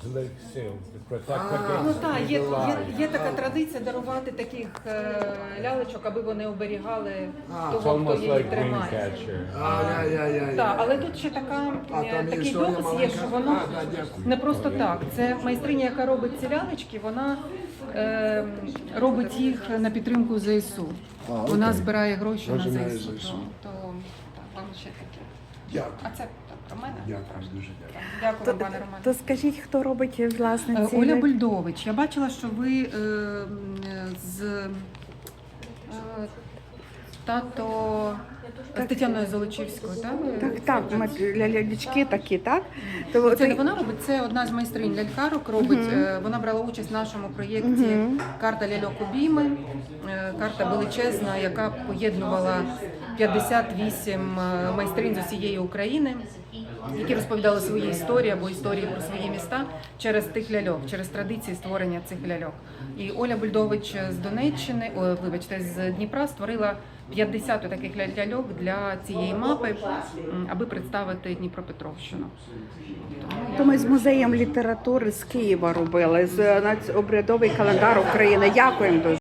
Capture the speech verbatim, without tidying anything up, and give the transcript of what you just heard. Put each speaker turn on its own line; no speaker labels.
Ну так, є, є, є така традиція дарувати таких е, лялечок, аби вони оберігали того, хто її тримає.
А, я, я, я, я.
Так, але тут ще така,
А,
е,
там є
такий
історія
допис є,
маленька?
що воно
А, да, дякую.
не просто так. Це майстриня, яка робить ці лялечки, вона е, робить їх на підтримку ЗСУ.
А,
Вона
окей.
збирає гроші
Гроші
на
на
ЗСУ.
ЗСУ.
То, то так, вам ще таке.
Дякую.
А це так, про мене?
Дякую, дуже дякую.
Дякую,
То,
пане Романе.
то скажіть, хто робить власне
Е,
ці
Оля
ляльки?
Бульдович, я бачила, що ви е, м, з е, тато з Тетяною Золочівською, так? ви
Так, так, ми
співпрацюєте?
лялячки такі, так? То,
Це не
то-
вона робить, це одна з майстринь лялькарок робить. Е, Вона брала участь в нашому проєкті Карта ляльок обійми. Е, Карта величезна, яка поєднувала п'ятдесят вісім е, майстринь з усієї України, які розповідали свої історії або історії про свої міста через тих ляльок, через традиції створення цих ляльок. І Оля Бульдович з Донеччини, о, вибачте, з Дніпра створила п'ятдесят таких ля- ляльок для цієї мапи, м, аби представити Дніпропетровщину.
то ми з музеєм літератури з Києва робили, з нац- обрядовий календар України. Дякуємо дуже.